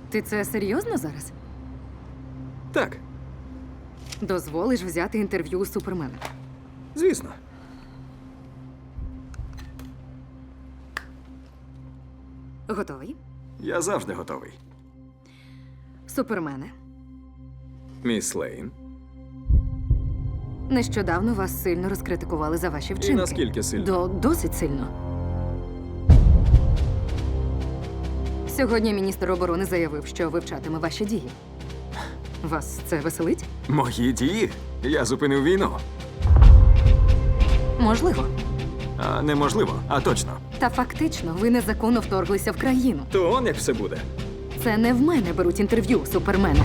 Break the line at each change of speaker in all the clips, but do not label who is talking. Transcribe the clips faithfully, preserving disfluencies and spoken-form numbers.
Ти це серйозно зараз?
Так,
Дозволиш взяти інтерв'ю у Супермена?
звісно.
Готовий?
Я завжди готовий.
Супермене,
Міс Лейн.
нещодавно вас сильно розкритикували за ваші вчинки.
наскільки сильно?
До досить сильно. Сьогодні міністр оборони заявив, що вивчатиме ваші дії. Вас це веселить?
Мої дії? Я зупинив війну.
Можливо.
А неможливо, а точно.
Та фактично ви незаконно вторглися в країну.
То он як все буде.
Це не в мене беруть інтерв'ю Супермена.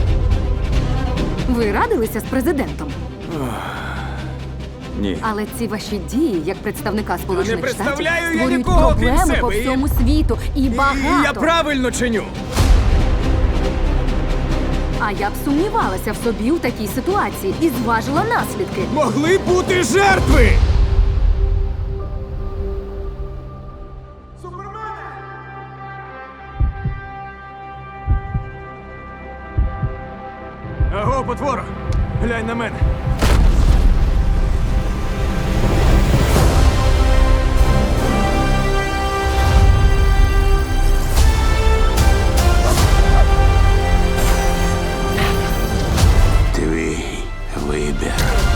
Ви радилися з президентом,
Ні.
але ці ваші дії, як представника Сполучених
не
Штатів,
представляю я
створюють
нікого, крім
проблеми
себе,
по
і-
всьому світу. І багато.
Я правильно чиню.
А я б сумнівалася в собі у такій ситуації і зважила наслідки.
Могли бути жертви! Аго, потвора! Глянь на мене!
Твій вибір.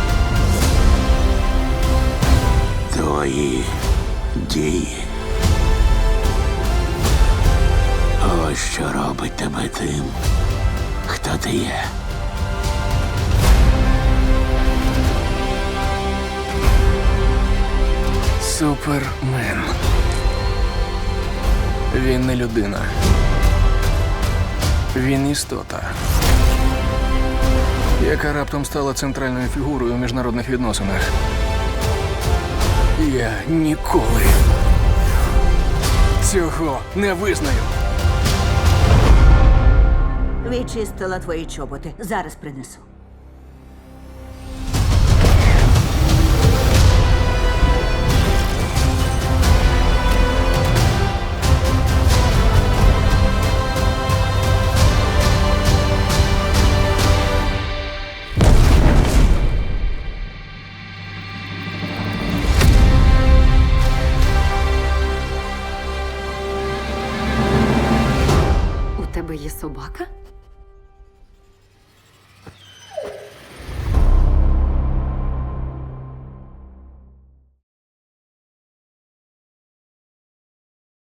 Твої дії. Ось що робить тебе тим, хто ти є.
Супермен. Він не людина. Він істота, яка раптом стала центральною фігурою у міжнародних відносинах. Я ніколи цього не визнаю.
Відчистила твої чоботи. Зараз принесу.
У тебе є собака?